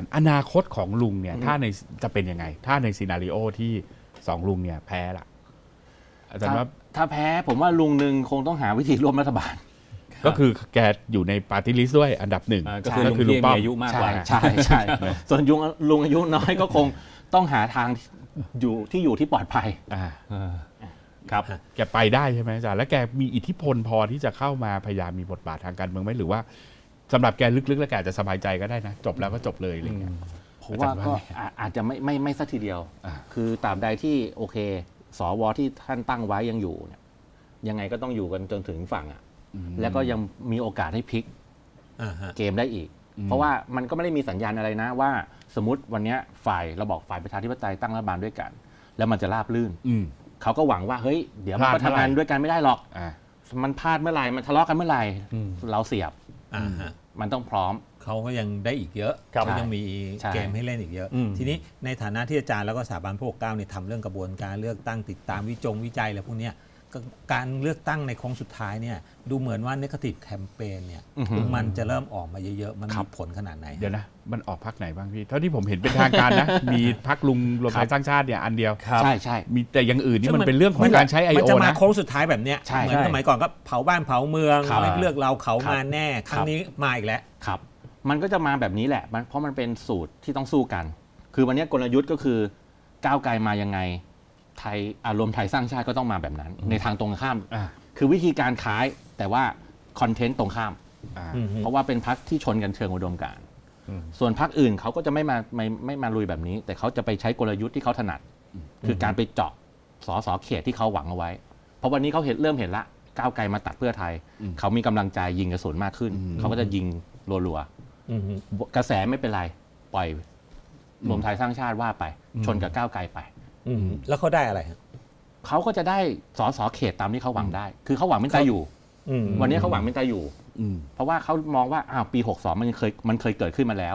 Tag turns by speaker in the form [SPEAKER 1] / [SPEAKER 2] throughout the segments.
[SPEAKER 1] อนาคตของลุงเนี่ยถ้าในจะเป็นยังไงถ้าในซีนาริโอที่2ลุงเนี่ยแพ้ละอาจารย์ว่า
[SPEAKER 2] ถ้าแพ้ผมว่าลุงหนึ่งคงต้องหาวิธีร่วมรัฐบาล
[SPEAKER 1] ก็คือแกอยู่ในปาร์ตี้ลิสต์ด้วยอันดับหนึ่ง
[SPEAKER 3] ก็คือลุงป้อมอายุมากกว่า
[SPEAKER 2] ใช่ส่วนลุงอายุน้อยก็คงต้องหาทางอยู่ที่ปลอดภัย
[SPEAKER 1] ครับแกไปได้ใช่ไหมอาจารย์แล้วแกมีอิทธิพลพอที่จะเข้ามาพยายามมีบทบาททางการเมืองไหมหรือว่าสำหรับแกลึกๆแล้วแกจะสบายใจก็ได้นะจบแล้วก็จบเลยอะไรเงี้ย
[SPEAKER 2] ผมว่าก็อาจจะไม่สักทีเดียวคือตราบใดที่โอเคสวที่ท่านตั้งไว้ยังอยู่เนี่ยยังไงก็ต้องอยู่กันจนถึงฝั่งแล้วก็ยังมีโอกาสให้พลิกเกมได้อีกเพราะว่ามันก็ไม่ได้มีสัญญาณอะไรนะว่าสมมติวันนี้เราบอกฝ่ายประชาธิปไตยตั้งรัฐบาลด้วยกันแล้วมันจะราบรื่นเขาก็หวังว่าเฮ้ยเดี๋ยวมันก็ทำงานด้วยกันไม่ได้หรอกมันพลาดเมื่อไหร่มันทะเลาะกันเมื่อไหร่เราเสียบมันต้องพร้อม
[SPEAKER 3] เขาก็ยังได้อีกเยอะเขายังมีเกมให้เล่นอีกเยอะทีนี้ในฐานะที่อาจารย์แล้วก็สถาบันพระปกเกล้าเนี่ยทำเรื่องกระบวนการเลือกตั้งติดตามวิจัยอะไรพวกนี้การเลือกตั้งในโค้งสุดท้ายเนี่ยดูเหมือนว่า Negative Campaign เนี่ยมันจะเริ่มออกมาเยอะๆมันมีผลขนาดไหน
[SPEAKER 1] เดี๋ยวนะมันออกพรรคไหนบ้างพี่เท่าที่ผมเห็นเป็นทางการนะมีพรรคลุงรวมไทยสร้างชาติเนี่ยอันเดียว
[SPEAKER 2] ใช่
[SPEAKER 1] มีแต่อย่างอื่นนี่มันเป็นเรื่องของการใช้ IO นะ
[SPEAKER 3] มันจะมาโค้งสุดท้ายแบบเนี้ยเหมือนสมัยก่อนก็เผาบ้านเผาเมืองไม่เลือกเราเขามาแน่ครั้งนี้มาอีกแล้ว
[SPEAKER 2] ครับมันก็จะมาแบบนี้แหละเพราะมันเป็นสูตรที่ต้องสู้กันคือวันนี้กลยุทธ์ก็คือก้าวไกลมายังไงไทยรวมไทยสร้างชาติก็ต้องมาแบบนั้นในทางตรงข้ามคือวิธีการคล้ายแต่ว่าคอนเทนต์ตรงข้ามเพราะว่าเป็นพรรคที่ชนกันเชิงอุดมการณ์ส่วนพรรคอื่นเขาก็จะไม่มาลุยแบบนี้แต่เขาจะไปใช้กลยุทธ์ที่เขาถนัดคือการไปเจาะสสเขตที่เขาหวังเอาไว้เพราะวันนี้เขาเริ่มเห็นละก้าวไกลมาตัดเพื่อไทยเขามีกำลังใจยิงกระสุนมากขึ้นเขาก็จะยิงรัวๆกระแสไม่เป็นไรปล่อยรวมไทยสร้างชาติว่าไปชนกับก้าวไกลไป
[SPEAKER 3] แล้วเขาได้อะไร
[SPEAKER 2] เขาก็จะได้สสเขตตามที่เขาหวังได้คือเขาหวังเป็นตาอยู่วันนี้เขาหวังเป็นตาอยู่เพราะว่าเขามองว่าปี62มันเคยเกิดขึ้นมาแล้ว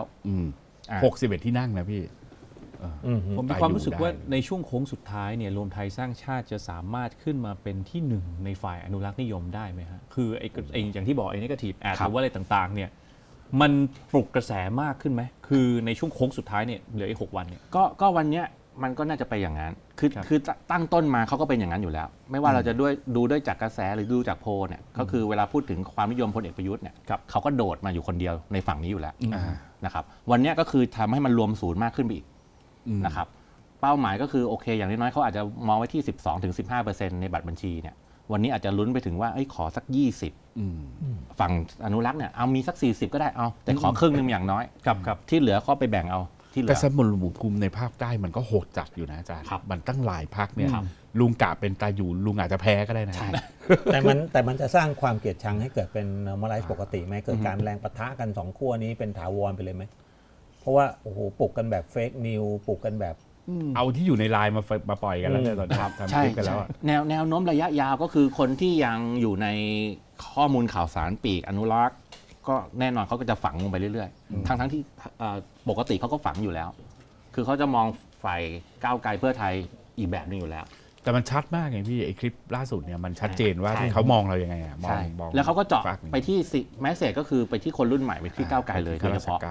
[SPEAKER 1] 61ที่นั่งนะพี่
[SPEAKER 4] ผมมีความรู้สึกว่าในช่วงโค้งสุดท้ายเนี่ยรวมไทยสร้างชาติจะสามารถขึ้นมาเป็นที่หนึ่งในฝ่ายอนุรักษ์นิยมได้ไหมฮะคือไอ้อย่างที่บอกไอ้ Negative Ad หรือว่าอะไรต่างๆเนี่ยมันปลุกกระแสมากขึ้นไหมคือในช่วงโค้งสุดท้ายเนี่ยเหลืออีก6 วันเนี่ย
[SPEAKER 2] ก็วันเนี้ยมันก็น่าจะไปอย่างนั้นคือตั้งต้นมาเขาก็เป็นอย่างนั้นอยู่แล้วไม่ว่าเราจะดูด้วยจากกระแสหรือดูจากโพลเนี่ยก็คือเวลาพูดถึงความนิยมพลเอกประยุทธ์เนี่ยเขาก็โดดมาอยู่คนเดียวในฝั่งนี้อยู่แล้วนะครับวันนี้ก็คือทำให้มันรวมศูนย์มากขึ้นไปอีกนะครับเป้าหมายก็คือโอเคอย่างน้อยๆเขาอาจจะมองไว้ที่ 12-15% ในบัตรบัญชีเนี่ยวันนี้อาจจะลุ้นไปถึงว่าขอสัก20ฝั่งอนุรักษ์เนี่ยเอามีสัก40ก็ได้เอาแต่ขอครึ่งนึงอย่างน้อยที่เหลือก็ไปแบ่งเอา
[SPEAKER 1] แต่สมรภูมิในภาคใต้มันก็โหดจัดอยู่นะอาจารย์มันตั้งหลายพรรคเนี่ยลุงกะเป็นตาอยู่ลุงอาจจะแพ้ก็ได้นะ
[SPEAKER 3] แต่มันจะสร้างความเกลียดชังให้เกิดเป็น normalize ปกติไหมเกิดการแรงปะทะกัน2ขั้วนี้เป็นถาวรไปเลยไหมเพราะว่าโอ้โหปลุกกันแบบเฟกนิวปลุกกันแบบ
[SPEAKER 1] เอาที่อยู่ในไลน์มาปล่อยกันแล้วเนี่ยตอนนี้ทำคลิปกันแล้ว
[SPEAKER 2] แนวโน้มระยะยาวก็คือคนที่ยังอยู่ในข้อมูลข่าวสารปีกอนุรักษ์ก็แน่นอนเขาก็จะฝังลงไปเรื่อยๆทั้งที่ปกติเขาก็ฝังอยู่แล้วคือเขาจะมองฝ่ายก้าวไกลเพื่อไทยอีกแบบนึงอยู่แล้ว
[SPEAKER 1] แต่มันชัดมากไงพี่ไอ้คลิปล่าสุดเนี่ยมันชัดเจนว่าเขามองเรายังไงมอง
[SPEAKER 2] แล้วเขาก็เจาะไปที่แมสเสจก็คือไปที่คนรุ่นใหม่ไปที่ก้าวไกลเลยโดยเฉพาะ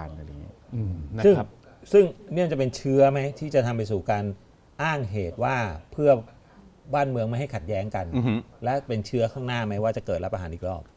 [SPEAKER 3] ซึ่งเนี่ยจะเป็นเชื้อไหมที่จะทำไปสู่การอ้างเหตุว่าเพื่อบ้านเมืองไม่ให้ขัดแย้งกันและเป็นเชื้อข้างหน้าไหมว่าจะเกิดรัฐประหารอีกรอบ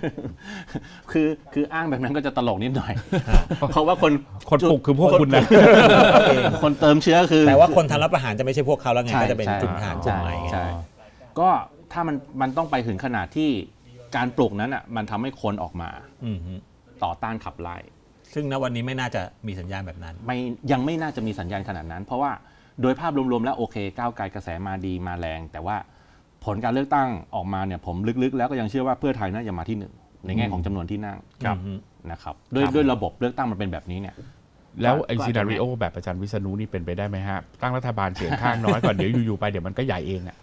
[SPEAKER 2] คืออ้างแบบนั้นก็จะตลกนิดหน่อยเพราะว่าคน
[SPEAKER 1] ปลุกคือพวกคุณนะ
[SPEAKER 2] คนเติมเชื้อคือ
[SPEAKER 3] แต่ว่าคนทำรัฐประหารจะไม่ใช่พวกเขาแล้วไงก็จะเป็นกลุ่มทหารกลุ่มใหม่
[SPEAKER 2] ใช่ก็ถ้ามันต้องไปถึงขนาดที่การปลุกนั้นอ่ะมันทำให้คนออกมาต่อต้านขับไล่
[SPEAKER 3] ซึ่งณวันนี้ไม่น่าจะมีสัญญาณแบบนั้น
[SPEAKER 2] ยังไม่น่าจะมีสัญญาณขนาดนั้นเพราะว่าโดยภาพรวมๆแล้วโอเคก้าวไกลกระแสมาดีมาแรงแต่ว่าผลการเลือกตั้งออกมาเนี่ยผมลึกๆแล้วก็ยังเชื่อว่าเพื่อไทยน่าจะมาที่1ในแง่ของจำนวนที่นั่งนะครับด้วยระบบเลือกตั้งมันเป็นแบบนี้เนี่ย
[SPEAKER 1] แล้วไอ้ซีนาริโอแบบอาจารย์วิษณุนี่เป็นไปได้ไหมฮะตั้งรัฐบาลเสียงข้างน้อยก่อนเดี๋ยวอยู่ๆไปเดี๋ยวมันก็ใหญ่เองอ่ะ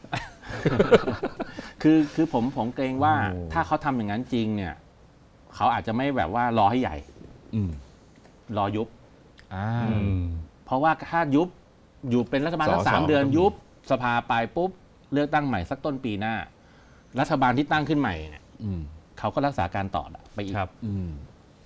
[SPEAKER 2] คือผมเกรงว่าถ้าเขาทำอย่างนั้นจริงเนี่ยเขาอาจจะไม่แบบว่ารอให้ใหญ่รอยุบเพราะว่าถ้ายุบอยู่เป็นรัฐบาลสัก3 เดือนยุบสภาไปปุ๊บเลือกตั้งใหม่สักต้นปีหน้ารัฐบาลที่ตั้งขึ้นใหม่เนี่ยเขาก็รักษาการต่อไปอีก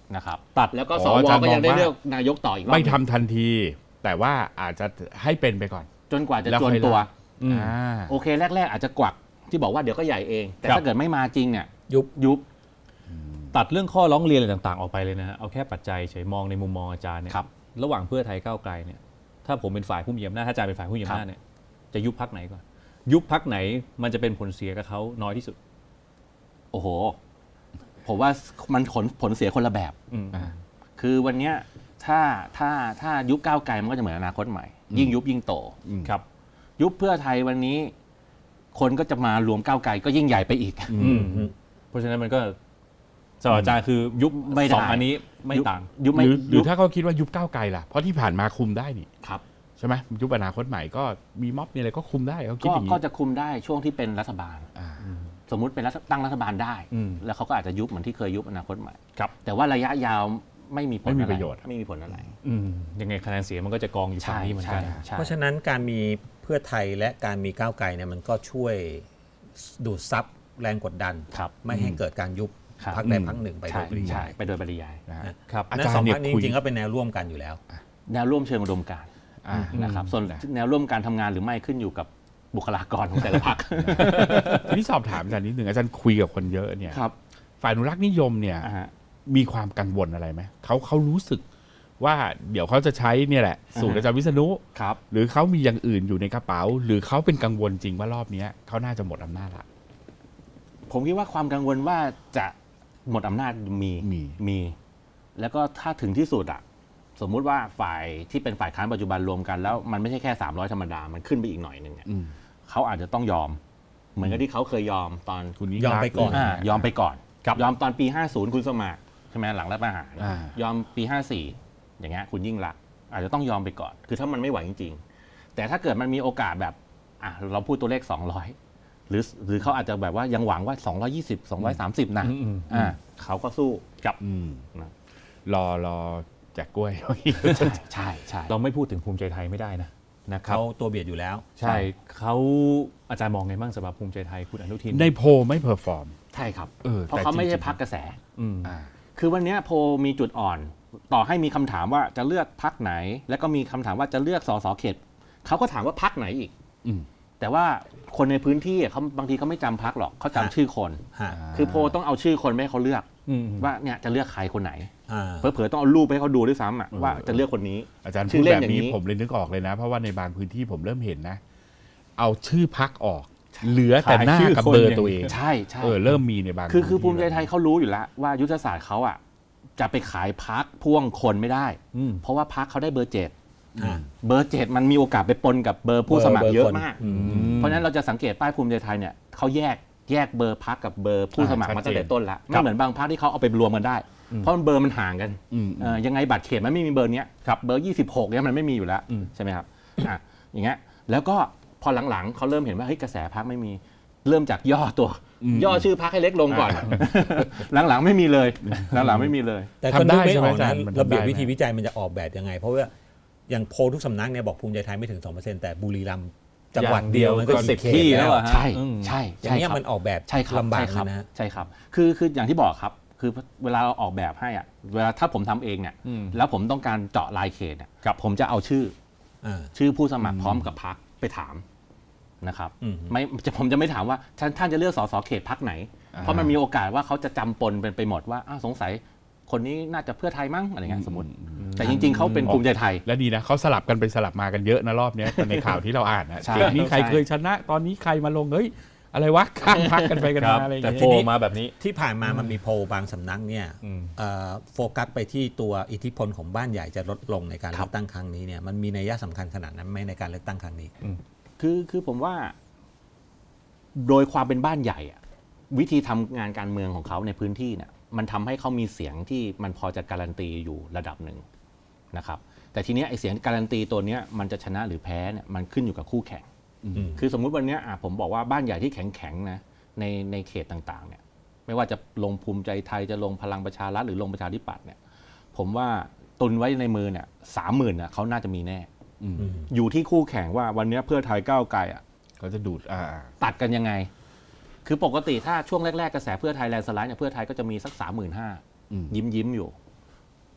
[SPEAKER 2] นะครับ
[SPEAKER 4] ตัด
[SPEAKER 2] แล้วก็
[SPEAKER 1] อ๋
[SPEAKER 2] ส
[SPEAKER 1] อ
[SPEAKER 2] ว
[SPEAKER 1] อาจารย์
[SPEAKER 2] ก็ยังได้
[SPEAKER 1] มองว่า
[SPEAKER 2] เลือกนายกต่ออีกรอบ
[SPEAKER 1] ไม่ทำทันที แต่ว่าอาจจะให้เป็นไปก่อน
[SPEAKER 2] จนกว่าจะ
[SPEAKER 1] แล้ว
[SPEAKER 2] จ
[SPEAKER 1] ค่
[SPEAKER 2] วน
[SPEAKER 1] อย
[SPEAKER 2] ตัว
[SPEAKER 1] ลา อ่า
[SPEAKER 2] โอเคแรก ๆ อาจจะกวักที่บอกว่าเดี๋ยวก็ใหญ่เอง แต่
[SPEAKER 4] ครับ
[SPEAKER 2] ถ้าเกิดไม่มาจริงเนี่ย
[SPEAKER 3] ยุบ
[SPEAKER 4] ตัดเรื่องข้อร้องเรียนอะไรต่างๆออกไปเลยนะฮะเอาแค่ปัจจัยเฉยมองในมุมมองอาจารย์เนี่ย
[SPEAKER 2] ครับ
[SPEAKER 4] ระหว่างเพื่อไทยก้าวไกลเนี่ยถ้าผมเป็นฝ่ายผู้มีอำนาจถ้าอาจารย์เป็นฝ่ายผู้มีอำนาจเนี่ยจะยุบพรรคไหนก่อนยุบพรรคไหนมันจะเป็นผลเสียกับเขาน้อยที่สุด
[SPEAKER 2] โอ้โห ผมว่ามันผลเสียคนละแบบ
[SPEAKER 4] อืม
[SPEAKER 2] คือวันเนี้ยถ้ายุบก้าวไกลมันก็จะเหมือนอนาคตใหม่ ยิ่งยุบยิ่งโต
[SPEAKER 4] ครับ
[SPEAKER 2] ยุบเพื่อไทยวันนี้ คนก็จะมารวมก้าวไกลก็ยิ่งใหญ่ไปอีก
[SPEAKER 4] เพราะฉะนั้นมันก็สำหรับอาจารย์คือยุบ
[SPEAKER 2] ไม่ได้
[SPEAKER 4] สองอันนี้ไม่ต่าง
[SPEAKER 2] ยุบไม่
[SPEAKER 1] หรือถ้าเขาคิดว่ายุบก้าวไกลล่ะ เพราะที่ผ่านมาคุมได้นี่
[SPEAKER 2] ครับ
[SPEAKER 1] ใช่ไหมยุบอนาคตใหม่ก็มีม็อบมีอะไรก็คุมได้เขาคิดอย่างนี้
[SPEAKER 2] ก็จะคุมได้ช่วงที่เป็นรัฐบาล
[SPEAKER 1] อ่า
[SPEAKER 2] สมมุติเป็นตั้งรัฐบาลได้
[SPEAKER 4] อืม
[SPEAKER 2] แล้วเขาก็อาจจะยุบเหมือนที่เคยยุบอนาคตใหม่
[SPEAKER 4] ครับ
[SPEAKER 2] แต่ว่าระยะยาวไม่มีผล
[SPEAKER 1] ไม่มี
[SPEAKER 2] อ
[SPEAKER 1] ประโยชน์
[SPEAKER 2] ไม่มีผลอะไร
[SPEAKER 4] ยังไงคะแนนเสียงมันก็จะกองอยู่ฝั่งนี้เหมือนกัน
[SPEAKER 2] ใช่
[SPEAKER 3] เพราะฉะนั้นการมีเพื่อไทยและการมีก้าวไกลเนี่ยมันก็ช่วยดูดซับแรงกดดัน
[SPEAKER 2] ครับ
[SPEAKER 3] ไม่ให้เกิดการยุบ
[SPEAKER 2] ครับ
[SPEAKER 3] พรรคใดพรรคหนึ่งไปโด
[SPEAKER 2] ใช่
[SPEAKER 3] ยปริ
[SPEAKER 2] ใช่
[SPEAKER 3] ยาย
[SPEAKER 2] ไปโดยปริยาย
[SPEAKER 1] นะฮะ
[SPEAKER 4] ครับ
[SPEAKER 1] อา
[SPEAKER 3] นั่
[SPEAKER 1] จาร
[SPEAKER 3] นสอง
[SPEAKER 1] ย์เนี่
[SPEAKER 3] พร
[SPEAKER 1] ย
[SPEAKER 3] รคนี้
[SPEAKER 1] คุย
[SPEAKER 3] จริงๆก็เป็นแนวร่วมกันอยู่แล้ว
[SPEAKER 2] แนวร่วมเชิงอุดมการณ์ นะครับส่วนแนวร่วมการทำงานหรือไม่ขึ้นอยู่กับบุคลากรของแต่ละพรรค
[SPEAKER 1] ทีนี้สอบถามอาจารย์นิดหนึ่งอาจารย์คุยกับคนเยอะเนี่ย
[SPEAKER 2] ครับ
[SPEAKER 1] ฝ่ายอนุรักษ์นิยมเนี่ย
[SPEAKER 2] อ่าฮะ
[SPEAKER 1] มีความกังวลอะไรไหมเขารู้สึกว่าเดี๋ยวเขาจะใช้เนี่ยแหละสูตรอาจารย์วิษณุ
[SPEAKER 2] ครับ
[SPEAKER 1] หรือเขามีอย่างอื่นอยู่ในกระเป๋า หรือเขาเป็นกังวลจริงว่ารอบเนี้ยเขาน่าจะหมดอำนาจละ
[SPEAKER 2] ผมคิดว่าความกังวลว่าจะหมดอำนาจมี แล้วก็ถ้าถึงที่สุดอะสมมุติว่าฝ่ายที่เป็นฝ่ายค้านปัจจุบันรวมกันแล้วมันไม่ใช่แค่300ธรรมดา มันขึ้นไปอีกหน่อยหนึ่งเนี่ย
[SPEAKER 1] อืม
[SPEAKER 2] เขาอาจจะต้องยอม เหมือนกับที่เขาเคยยอมตอน
[SPEAKER 1] คุณยิ่ง
[SPEAKER 3] ยอมไปก่อน
[SPEAKER 1] รัษณ์
[SPEAKER 2] ยอมไปก่อนยอมตอนปี 50 คุณสมัครใช่ไหมหลังรัฐประหาร
[SPEAKER 1] อ่าย
[SPEAKER 2] อมปี 54 อย่างเงี้ยคุณยิ่งรักษณ์อาจจะต้องยอมไปก่อน คือถ้ามันไม่ไหวจริงๆแต่ถ้าเกิดมันมีโอกาสแบบเราพูดตัวเลข 200 หรือเขาอาจจะแบบว่ายังหวังว่า 220 230 นะเขาก็สู้กับ นะ
[SPEAKER 1] รอแจกกล้วย
[SPEAKER 2] ใช่ใช่
[SPEAKER 4] เราไม่พูดถึงภูมิใจไทยไม่ได้นะครับ
[SPEAKER 3] เขาตัวเบียดอยู่แล้ว
[SPEAKER 4] ใช่เขาอาจารย์มองไงบ้างสำหรับภูมิใจไทยคุณอนุทิน
[SPEAKER 1] ในโพลไม่เพอร์ฟอร์ม
[SPEAKER 2] ใช่ครับ
[SPEAKER 1] เออ
[SPEAKER 2] เพราะ
[SPEAKER 1] แต่
[SPEAKER 2] เขาไม่ใช่
[SPEAKER 1] จริงๆ
[SPEAKER 2] พักกระแส
[SPEAKER 4] อืม
[SPEAKER 1] อ่า
[SPEAKER 2] คือวันเนี้ยโพลมีจุดอ่อน ต่อให้มีคำถามว่าจะเลือกพักไหน แล้วก็มีคำถามว่าจะเลือกสสเขตเขาก็ถามว่าพักไหนอีก
[SPEAKER 1] อืม
[SPEAKER 2] แต่ว่าคนในพื้นที่เขาบางทีเขาไม่จำพักหรอกเขาจำชื่อคน
[SPEAKER 3] ฮะ
[SPEAKER 2] คือโพลต้องเอาชื่อคนไปให้เขาเลือก
[SPEAKER 4] อืม
[SPEAKER 2] ว่าเนี่ยจะเลือกใครคนไหน
[SPEAKER 3] อ่า
[SPEAKER 2] เผลอๆต้องเอารูปไปให้เขาดูด้วยซ้ำอะว่าจะเลือกคนนี้
[SPEAKER 1] อาจารย์
[SPEAKER 2] ชื่
[SPEAKER 1] พูด
[SPEAKER 2] อเล่น
[SPEAKER 1] แบบ
[SPEAKER 2] อย่าง
[SPEAKER 1] นี้
[SPEAKER 2] นี้
[SPEAKER 1] ผมเลยนึกออกเลยนะ เพราะว่าในบางพื้นที่ผมเริ่มเห็นนะ เอาชื่อพักออก เหลือแต่หน้ากับเบอร์ตัวเอง
[SPEAKER 2] ใช่ใช่
[SPEAKER 1] เริ่มมีในบาง
[SPEAKER 2] คือ
[SPEAKER 1] พื้นที่
[SPEAKER 2] ภูมิใจไทยเขารู้อยู่แล้วว่ายุทธศาสตร์เขาอะจะไปขายพักพ่วงคนไม่ได้
[SPEAKER 4] อืม
[SPEAKER 2] เพราะว่าพักเขาได้เบอร์เจ็ด
[SPEAKER 3] อ่า
[SPEAKER 2] เบอร์เจ็ดมันมีโอกาสไปปนกับเบอร์ผู้สมัครเยอะมาก
[SPEAKER 3] อืม
[SPEAKER 2] เพราะฉะนั้นเราจะสังเกตป้ายภูมิใจไทยเนี่ยเขาแยกเบอร์พักกับเบอร์ผู้สมัครมาตั้งแต่ต้นแล้วไม่เหมือนบางพักที่เขาเอาไปรวมกันได้ เพราะมันเบอร์มันห่างกัน
[SPEAKER 1] อืม
[SPEAKER 2] ยังไงบัตรเขตมันไม่มีเบอร์เนี้ยครับเบอร์ 26เนี่ยมันไม่มีอยู่แล้วใช่ไหมครับอย่างเงี้ยแล้วก็พอหลังๆเขาเริ่มเห็นว่าเฮ้ยกระแสพักไม่มีเริ่มจากย่อตัว ย่อชื่อพักให้เล็กลงก่อน หลังๆไม่มีเลยหลังๆไม่มีเลย
[SPEAKER 3] แต่ก็นึกไม่ออก
[SPEAKER 1] ทำได้ใช่ไหมอาจา
[SPEAKER 3] นะ
[SPEAKER 1] รย์มันทำได้
[SPEAKER 3] ระเบียบ
[SPEAKER 1] ไหม
[SPEAKER 3] วิธีวิจัยมันจะออกแบบยังไง เพราะว่าอย่างโพลทุกสำนักเนี่ยบอกภูมิใจไทยไม่ถึง 2% แต่บุรีรัมย์จังหวัดเดียวมันก็
[SPEAKER 4] สิบ
[SPEAKER 3] 10 เข
[SPEAKER 4] ที่
[SPEAKER 3] ต
[SPEAKER 4] แล้
[SPEAKER 3] แล้ว ว
[SPEAKER 4] อะฮะ
[SPEAKER 2] ใช่
[SPEAKER 4] อืม
[SPEAKER 2] ใช่
[SPEAKER 3] อย่างเงี้ย
[SPEAKER 2] ครับ
[SPEAKER 3] มันออกแบบ
[SPEAKER 2] ใช่ครับ
[SPEAKER 3] ลำบาก
[SPEAKER 2] ใช่ครับ
[SPEAKER 3] นะฮะ
[SPEAKER 2] ใช่ครับคืออย่างที่บอกครับคือเวลาเราออกแบบให้อ่ะเวลาถ้าผมทำเองเนี่ยแล้วผมต้องการเจาะลายเขตเนี่ยผมจะเอาชื่อ ชื่อผู้สมัครพร้อมกับพรรคไปถามนะครับ
[SPEAKER 3] อืม
[SPEAKER 2] ผมจะไม่ถามว่าท่านจะเลือกสสเขตพรรคไหน เพราะมันมีโอกาสว่าเขาจะจำปนเป็นไปหมดว่าสงสัยคนนี้น่าจะเพื่อไทยมั้งอะไรเงี้ยสมมติ แต่จริง ๆเขาเป็นภูมิใจไทย
[SPEAKER 1] และดีนะเขาสลับกันไปสลับมากันเยอะนะรอบเนี้ยในข่าวที่เราอ่านนะ
[SPEAKER 2] ใช่
[SPEAKER 1] เขตนี้ใคร
[SPEAKER 2] ใช่
[SPEAKER 1] เคยชนะ ตอนนี้ใครมาลงเฮ้ยอะไรวะข้ามพักกันไปกัน
[SPEAKER 4] ครั
[SPEAKER 1] มา
[SPEAKER 4] บ
[SPEAKER 1] อะไรอย่าง
[SPEAKER 4] แต่
[SPEAKER 1] เงี้ย
[SPEAKER 4] โผล่มาแบบนี้
[SPEAKER 3] ที่ผ่านมามันมีโพลบางสำนักเนี่ย
[SPEAKER 4] อืม
[SPEAKER 3] โฟกัสไปที่ตัวอิทธิพลของบ้านใหญ่จะลดลงในการเลือกตั้งครั้งนี้เนี่ยมันมีนัยสำคัญขนาดนั้นไหมในการเลือกตั้งครั้งนี้
[SPEAKER 2] คือผมว่า โดยความเป็นบ้านใหญ่อะวิธีทำงานการเมืองของเขาในพื้นที่เนี่ยมันทำให้เขามีเสียงที่มันพอจะการันตีอยู่ระดับหนึ่งนะครับ แต่ทีเนี้ยไอเสียงการันตีตัวเนี้ยมันจะชนะหรือแพ้เนี่ยมันขึ้นอยู่กับคู่แข่ง คือสมมุติวันเนี้ยผมบอกว่าบ้านใหญ่ที่แข็งๆนะในเขตต่างๆเนี่ยไม่ว่าจะลงภูมิใจไทยจะลงพลังประชารัฐหรือลงประชาธิปัตย์เนี่ยผมว่าตุนไว้ในมือเนี่ย30,000น่ะเขาน่าจะมีแน่ อยู่ที่คู่แข่งว่าวันเนี้ยเพื่อไทยก้าวไกลอ่ะ
[SPEAKER 1] เขาจะดูด
[SPEAKER 2] ตัดกันยังไง คือปกติถ้าช่วงแรกๆกระแสเพื่อไทยแลนด์สไลด์เนี่ยเพื่อไทยก็จะมีสัก 35,000 ยิ้มอยู่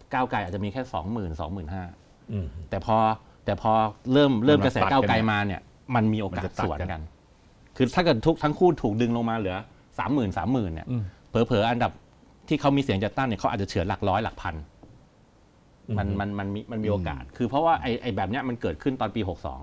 [SPEAKER 2] ก้าวไกลอาจจะมีแค่ 20,000
[SPEAKER 3] อืม
[SPEAKER 2] แต่พอเริ่มกระแสก้าวไกลมาเนี่ยมันมีโอกาสสวนกัน คือถ้าเกิดทั้งคู่ถูกดึงลงมาเหลือ 30,000 เนี่ยเผลอๆอันดับที่เขามีเสียงจัดตั้งเนี่ยเขาอาจจะเฉือนหลักร้อยหลักพันมันมีโอกาส คือเพราะว่าไอ้แบบเนี้ยมันเกิดขึ้นตอนปี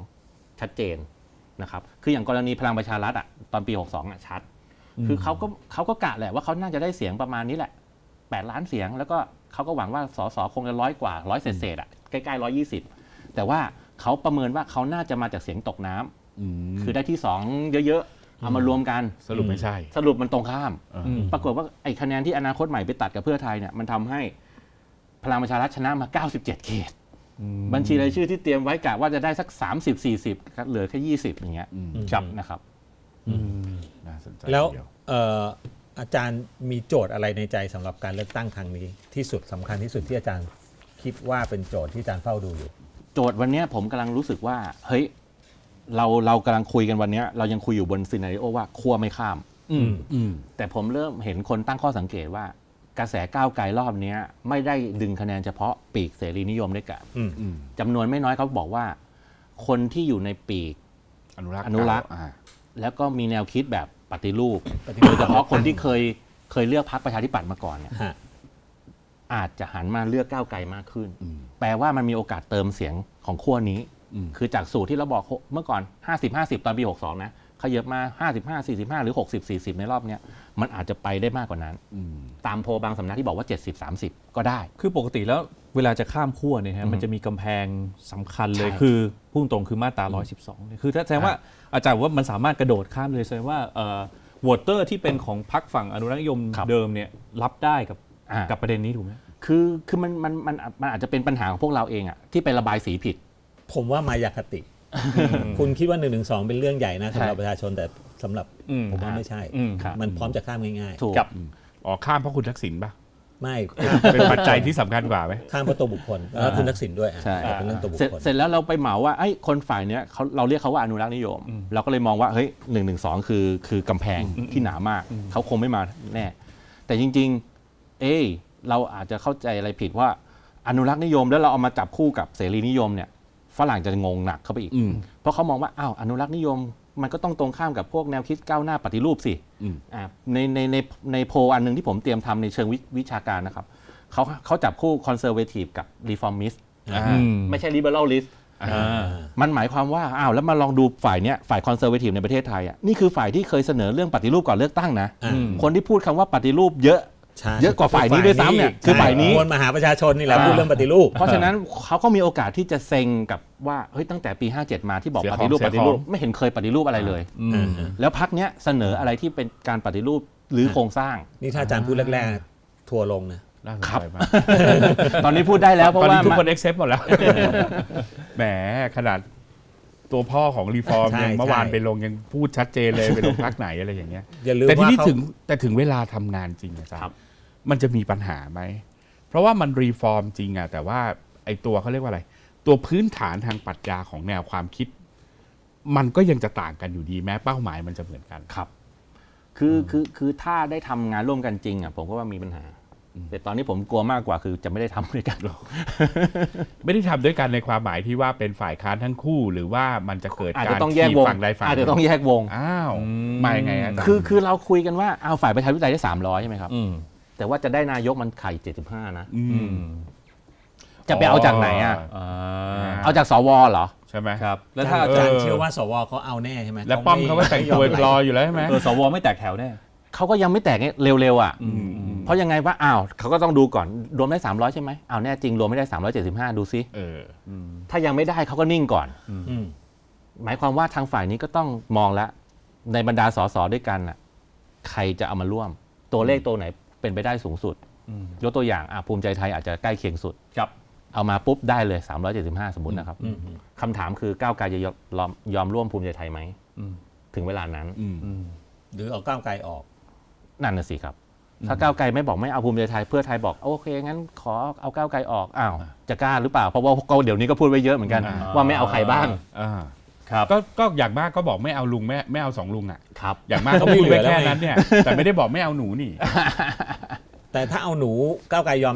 [SPEAKER 2] 62 ชัดเจนนะครับคืออย่างกรณีพลังประชารัฐอ่ะตอนปี 62อ่ะชัดคือเขาก็กะแหละว่าเขาน่าจะได้เสียงประมาณนี้แหละ8 ล้านเสียงแล้วก็เขาก็หวังว่าสสคงจะ100 กว่า100เศษอ่ะใกล้ๆ120แต่ว่าเขาประเมินว่าเขาน่าจะมาจากเสียงตกน้ำคือได้ที่2เยอะๆเอามารวมกัน
[SPEAKER 1] สรุปไม่ใช่
[SPEAKER 2] สรุปมันตรงข้ามปรากฏว่าไอ้คะแนนที่อนาคตใหม่ไปตัดกับเพื่อไทยเนี่ยมันทำให้พลังประชารัฐชนะมา97 เขตบัญชีรายชื่อที่เตรียมไว้กะว่าจะได้สัก30-40ครับเหลือแค่20อย่างเงี้ยครับนะครับ
[SPEAKER 1] น่าสนใจ
[SPEAKER 3] แล้ว
[SPEAKER 1] เดียว
[SPEAKER 3] อาจารย์มีโจทย์อะไรในใจสำหรับการเลือกตั้งครั้งนี้ที่สุดสำคัญที่สุดที่อาจารย์คิดว่าเป็นโจทย์ที่อาจารย์เฝ้าดูอยู่
[SPEAKER 2] โจทย์วันเนี้ยผมกำลังรู้สึกว่าเฮ้ยเรากำลังคุยกันวันเนี้ยเรายังคุยอยู่บนซีนาริโอว่าขั้วไม่ข้ามแต่ผมเริ่มเห็นคนตั้งข้อสังเกตว่ากระแสก้าวไกลรอบนี้ไม่ได้ดึงคะแนนเฉพาะปีกเสรีนิยมด้วยกันจำนวนไม่น้อยเขาบอกว่าคนที่อยู่ในปีก
[SPEAKER 1] อนุรักษ์
[SPEAKER 2] แล้วก็มีแนวคิดแบบปฏิรูปโดยเฉพาะคนที่เคยเลือกพรรคประชาธิปัตย์มาก่อนเนี่ยอาจจะหันมาเลือกก้าวไกลมากขึ้นแปลว่ามันมีโอกาสเติมเสียงของขั้วนี้คือจากสูตรที่เราบอกเมื่อก่อน50-50ตอนปี62นะขยับมา55-45หรือ60-40ในรอบเนี้ยมันอาจจะไปได้มากกว่านั้นตามโพลบางสำนักที่บอกว่า70-30ก็ได้
[SPEAKER 4] คือปกติแล้วเวลาจะข้ามขั้วเนี่ยฮะมันจะมีกำแพงสำคัญเลย
[SPEAKER 2] ใช่
[SPEAKER 4] คือพุ่งตรงคือมาตรา112เนี่ยคือถ้าแสดงว่าอาจารย์ว่ามันสามารถกระโดดข้ามเลยแสดงว่าวอเตอร์ที่เป็นของพรรคฝั่งอนุรักษ์นิยมเดิมเนี่ยรับได้กับประเด็นนี้ถูกไหม
[SPEAKER 2] คือมันอาจจะเป็นปัญหาของพวกเราเองอะที่ไประบายสีผิด
[SPEAKER 3] ผมว่ามายาคติ คุณคิดว่า112เป็นเรื่องใหญ่นะสำหรับประชาชนแต่สำหรับผมว่าไม่ใช่
[SPEAKER 2] ครับ
[SPEAKER 3] มันพร้อมจะข้ามง่าย
[SPEAKER 2] ถูก
[SPEAKER 1] อ๋อข้ามเพราะคุณทักษิณป่ะ
[SPEAKER 3] ๆ ไม่
[SPEAKER 1] เป็นปัจจัยที่สำคัญกว่าไหม
[SPEAKER 3] ข้ามเพราะตัวบุคคลแล้วคุณทักษิณด้วย
[SPEAKER 2] ใช่
[SPEAKER 3] เป็นเรื่องตัวบุค
[SPEAKER 2] เสร็จ
[SPEAKER 3] คล
[SPEAKER 2] เสร็จแล้วเราไปเหมาว่าไอ้คนฝ่ายเนี้ยเราเรียกเขาว่าอนุรักษ์นิยม เราก็เลยมองว่าเฮ้ย112คือกำแพงที่หนามากเขาคงไม่มาแน่แต่จริงๆเราอาจจะเข้าใจอะไรผิดว่าอนุรักษ์นิยมแล้วเราเอามาจับคู่กับเสรีนิยมเนี่ยฝรั่งจะงงหนักเข้าไปอีกเพราะเขามองว่าอ้าวอนุรักษ์นิยมมันก็ต้องตรงข้ามกับพวกแนวคิดก้าวหน้าปฏิรูปสิในโพลอันนึงที่ผมเตรียมทำในเชิงวิชาการนะครับเขาจับคู่คอนเซอร์เวทีฟกับรีฟอร์มิสต์ไม่ใช่ลิเบอรัลลิสต์มันหมายความว่าอ้าวแล้วมาลองดูฝ่ายเนี้ยฝ่ายคอนเซอร์เวทีฟในประเทศไทยอ่ะนี่คือฝ่ายที่เคยเสนอเรื่องปฏิรูปก่อนเลือกตั้งนะคนที่พูดคำว่าปฏิรูปเยอะกว่าฝ่ายนี้ด้วยซ้ำเนี่ยคือฝ่ายนี้
[SPEAKER 3] มวลมหาประชาชนนี่แหละพูดเรื่องปฏิรูป
[SPEAKER 2] เพราะฉะนั้นเขาก็มีโอกาสที่จะเซ็งกับว่าเฮ้ยตั้งแต่ปี 57 มาที่บอกปฏิรูปไม่เห็นเคยปฏิรูปอะไรเลยแล้วพรรคเนี้ยเสนออะไรที่เป็นการปฏิรูปหรือโครงสร้าง
[SPEAKER 3] นี่ถ้าอาจารย์พูดแรกๆทัวร์ลงนะ
[SPEAKER 1] น่าสนใจมาก
[SPEAKER 2] ตอนนี้พูดได้แล้วเพราะ
[SPEAKER 1] ตอน
[SPEAKER 2] ว่า
[SPEAKER 1] นี้ทุกคน accept หมดแล้ว แหมขนาดตัวพ่อของรีฟอร์ม
[SPEAKER 3] ใช่
[SPEAKER 1] ยังเมื่อวาน
[SPEAKER 3] ใช่
[SPEAKER 1] ไปลงยังพูดชัดเจนเลยไปลงพักไหนอะไรอย่างเงี้ย
[SPEAKER 3] อย่าลืม
[SPEAKER 1] แต่ที่
[SPEAKER 3] ว่า
[SPEAKER 1] นี่
[SPEAKER 3] เขา
[SPEAKER 1] ถึงเวลาทำงานจริงอาจารย์มันจะมีปัญหาไหม เพราะว่ามันรีฟอร์มจริงอะแต่ว่าไอ้ตัวเขาเรียกว่าอะไร ตัวพื้นฐานทางปรัชญาของแนวความคิด มันก็ยังจะต่างกันอยู่ดีแม้เป้าหมายมันจะเหมือนกัน
[SPEAKER 2] ครับคือถ้าได้ทำงานร่วมกันจริงอ่ะผมก็ว่ามีปัญหาแต่ตอนนี้ผมกลัวมากกว่าคือจะไม่ได้ทำด้วยกันหรอก
[SPEAKER 1] ไม่ได้ทำด้วยกันในความหมายที่ว่าเป็นฝ่ายค้านทั้งคู่ หรือว่ามันจะเกิด
[SPEAKER 2] อาจ
[SPEAKER 1] การ
[SPEAKER 2] จะต้องแยกวง
[SPEAKER 1] ฝั่งใดฝั่งห
[SPEAKER 2] อาจ
[SPEAKER 1] นึ่
[SPEAKER 2] จะต้องแยกวง
[SPEAKER 1] อ้าวมายังไงอาจารย์
[SPEAKER 2] คือเราคุยกันว่าเอาฝ่ายประชาธิปไตยได้300ใช่ไหมครับแต่ว่าจะได้นายกมันไข่75นะจะไปเอาจากไหนอ่ะเอาจากสวเหรอ
[SPEAKER 1] ใช่ไหม
[SPEAKER 4] ครับแล้ว
[SPEAKER 3] ถ้า
[SPEAKER 4] ถ้า
[SPEAKER 3] อาจารย์เชื่อว่าสวเขาเอาแน่ใช่ไหม
[SPEAKER 1] แล้วป้อมเขาก็แต่งตัวรออยู่แล้วใช่ไหม
[SPEAKER 4] สวไม่แตกแถวแน่
[SPEAKER 2] เขาก็ยังไม่แตกเร็วๆอ่ะเพราะยังไงว่าอ้าวเขาก็ต้องดูก่อนรวมได้300ใช่ไหมอ้าวแน่จริงรวมไม่ได้375ดูซิถ้ายังไม่ได้เขาก็นิ่งก่อนหมายความว่าทางฝ่ายนี้ก็ต้องมองแล้วในบรรดาสสด้วยกันน่ะใครจะเอามาร่วมตัวเลขตัวไหนเป็นไปได้สูงสุดยกตัวอย่างภูมิใจไทยอาจจะใกล้เคียงสุดเอามาปุ๊บได้เลย375สมมุตินะครับคำถามคือก้าวไกลจะยอมร่วมภูมิใจไทยไหมถึงเวลานั้น
[SPEAKER 3] หรือเอาก้าวไกลออก
[SPEAKER 2] นั่นน่ะสิครับถ้าก้าวไกลไม่บอกไม่เอาภูมิใจไทยเพื่อไทยบอกโอเคงั้นขอเอาก้าวไกลออกอ้าวจะกล้าหรือเปล่าเพราะว่าเดี๋ยวนี้ก็พูดไว้เยอะเหมือนกันว่าไม่เอาใครบ้าง
[SPEAKER 1] ครับก็อย่างมากก็บอกไม่เอาลุงไม่เอา2ลุงอ่ะ
[SPEAKER 2] ครับ
[SPEAKER 1] อย่างมากก็พูดไว้แค่นั้นเนี่ยแต่ไม่ได้บอกไม่เอาหนูนี่
[SPEAKER 3] แต่ถ้าเอาหนูก้าวไกลยอมไหมล่ะ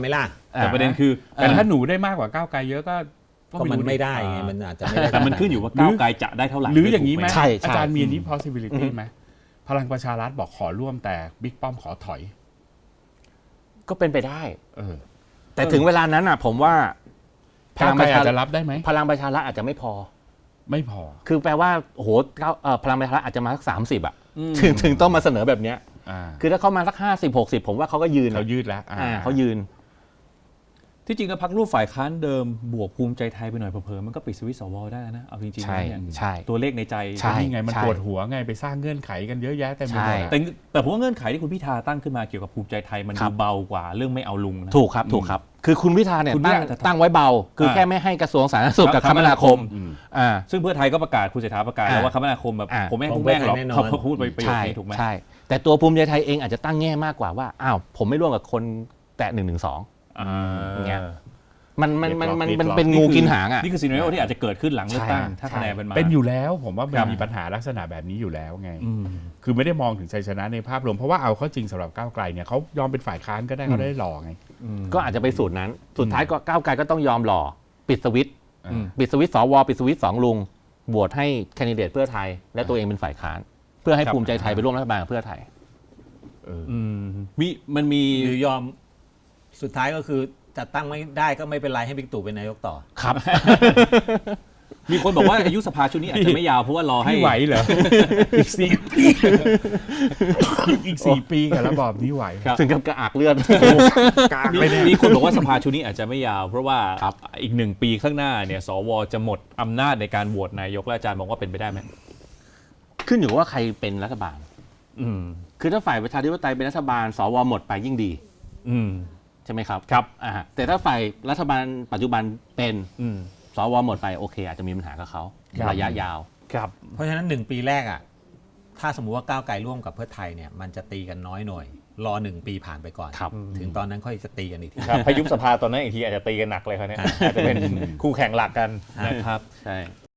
[SPEAKER 4] แต่ประเด็นคือ
[SPEAKER 1] แต่ถ้าหนูได้มากกว่าก้าวไกลเยอะก็
[SPEAKER 3] ก็มันไม่ได้ไงมันอาจจะไม่ได้
[SPEAKER 4] แต่มันขึ้นอยู่ว่าก้าวไกลจะได้เท่าไหร่
[SPEAKER 1] หรืออย่างนี้ไหม
[SPEAKER 2] ใช่
[SPEAKER 1] อาจารย์มีอันนี้ possibility ไหมพลังประชารัฐบอกขอร่วมแต่บิ๊กป้อมขอถอย
[SPEAKER 2] ก็เป็นไปได้ แต่
[SPEAKER 1] เออ
[SPEAKER 2] ถึงเวลานั้นอ่ะ ผมว่า
[SPEAKER 1] ก้าวไกลอาจจะรับได้ไหม
[SPEAKER 2] พลังประชารัฐอาจจะไม่พอ
[SPEAKER 1] ไม่พอ
[SPEAKER 2] คือแปลว่าโอ้โหพลังประชารัฐอาจจะมาสัก30อ่ะถึงต้องมาเสนอแบบเนี้ย คือถ้าเขามาสัก50-60ผมว่าเขาก็ยืน
[SPEAKER 1] เขายืดแล้ว
[SPEAKER 2] เขายืน
[SPEAKER 4] ที่จริงแล้วพรรคร่วมฝ่ายค้านเดิมบวกภูมิใจไทยไปหน่อยเผลอๆมันก็ปิดสวิตช์สวได้นะเอาจริงๆ
[SPEAKER 2] ใช่
[SPEAKER 4] แล้วเนี่ย
[SPEAKER 2] ใช่
[SPEAKER 4] ตัวเลขในใจ
[SPEAKER 2] ใช่
[SPEAKER 1] นี่ไงมัน
[SPEAKER 2] ใช่
[SPEAKER 1] ปวดหัวไงไปสร้างเงื่อนไขกันเยอะแยะเต็มไปหมดอะ
[SPEAKER 4] แต่ผมว่าเงื่อนไขที่คุณพิธาตั้งขึ้นมาเกี่ยวกับภูมิใจไทยมัน
[SPEAKER 2] ครั
[SPEAKER 4] ดู
[SPEAKER 2] บ
[SPEAKER 4] เบากว่าเรื่องไม่เอาลุงนะ
[SPEAKER 2] ถูกครับถูกครับ คือคุณพิธาเนี่ย
[SPEAKER 4] คุณพิธา
[SPEAKER 2] ตั้งไว้เบา คือแค่ไม่ให้กระทรวงสาธารณสุขกับคมนาคม
[SPEAKER 4] ซึ่งเพื่อไทยก็ประกาศคุณเศรษฐาประกาศแล้วว่าคมนาคมแบบผมไม่ให้พวกแม่งหรอกเขาพูดไปประโยค
[SPEAKER 2] ใช่
[SPEAKER 4] นี้ถูกไหม
[SPEAKER 2] ใช่ แต่ตัวภูมิใจไทยเองอาจจะตั้งแง่มากกว่าว่าอ้าวผมไม่ร่วมกับคนแตะ112อย่างเงี้ยมันเป็นงูกินหางอ่ะ
[SPEAKER 4] นี่คือซีนาริโอที่อาจจะเกิดขึ้นหลังเลือกตั้ง
[SPEAKER 2] ใช่
[SPEAKER 4] ถ้าคะแนนเป็นมา
[SPEAKER 1] เป็นอยู่แล้วผมว่ามัน
[SPEAKER 4] ครับ
[SPEAKER 1] มีปัญหาลักษณะแบบนี้อยู่แล้วไง คือไม่ได้มองถึงชัยชนะในภาพรวมเพราะว่าเอาเข้าจริงสำหรับก้าวไกลเนี่ยเขายอมเป็นฝ่ายค้านก็ได้เขาได้หล่อไง
[SPEAKER 2] ก็อาจจะไปสูตรนั้น สุดท้ายก็ก้าวไกลก็ต้องยอมหล่อปิดสวิตช์
[SPEAKER 1] อืม
[SPEAKER 2] ปิดสวิตช์สวปิดสวิตช์2ลุงโหวตให้แคนดิเดตเพื่อไทย และตัวเองเป็นฝ่ายค้าน เพื่อให้ภูมิใจไทยไปร่วมรัฐบาลกับเพื่อไทย
[SPEAKER 4] มันมี
[SPEAKER 3] หรือยอมสุดท้ายก็คือจัดตั้งไม่ได้ก็ไม่เป็นไรให้บิ๊กตู่เป็นนายกต่อ
[SPEAKER 2] ครับ
[SPEAKER 4] มีคนบอกว่าอายุสภาชุดนี้อาจจะไม่ยาวเพราะว่ารอให้
[SPEAKER 1] พี่ไหวเหรอ อีก4 ปีอีก4 ปีกับระบอบนี้ไหว
[SPEAKER 4] ครับ
[SPEAKER 2] ถึงกับกระอักเลือด
[SPEAKER 1] กลางไปเนี่ย
[SPEAKER 4] มีคนบอกว่าสภาชุดนี้อาจจะไม่ยาว เพราะว่า
[SPEAKER 2] ครับ
[SPEAKER 4] อีก1 ปีข้างหน้าเนี่ยสวจะหมดอำนาจในการโหวตนายกและอาจารย์มองว่าเป็นไปได้ไหม
[SPEAKER 2] ขึ้นอยู่ว่าใครเป็นรัฐบาล
[SPEAKER 4] อืม
[SPEAKER 2] คือถ้าฝ่ายประชาธิปไตยเป็นรัฐบาลสวหมดไปยิ่งดี
[SPEAKER 4] อืม
[SPEAKER 2] ใช่ไหมครับแต่ถ้าฝ่ายรัฐบาลปัจจุบันเป็น
[SPEAKER 4] อืม
[SPEAKER 2] สวหมดไปโอเค อาจจะมีปัญหากับเขา
[SPEAKER 4] ครับ
[SPEAKER 2] ระยะยาว
[SPEAKER 4] ครับ
[SPEAKER 3] เพราะฉะนั้น1 ปีแรกอ่ะถ้าสมมุติว่าก้าวไกลร่วมกับเพื่อไทยเนี่ยมันจะตีกันน้อยหน่อยรอ1 ปีผ่านไปก่อน
[SPEAKER 2] ครับ
[SPEAKER 3] ถึงตอนนั้นค่อยจะตีกันอีกที
[SPEAKER 4] ครับพายุสภาตอนนั้นอีกทีอาจจะตีกันหนักเลยครับเนี่ยอาจจะเป็นคู่แข่งหลักกันนะครับ
[SPEAKER 2] ใช่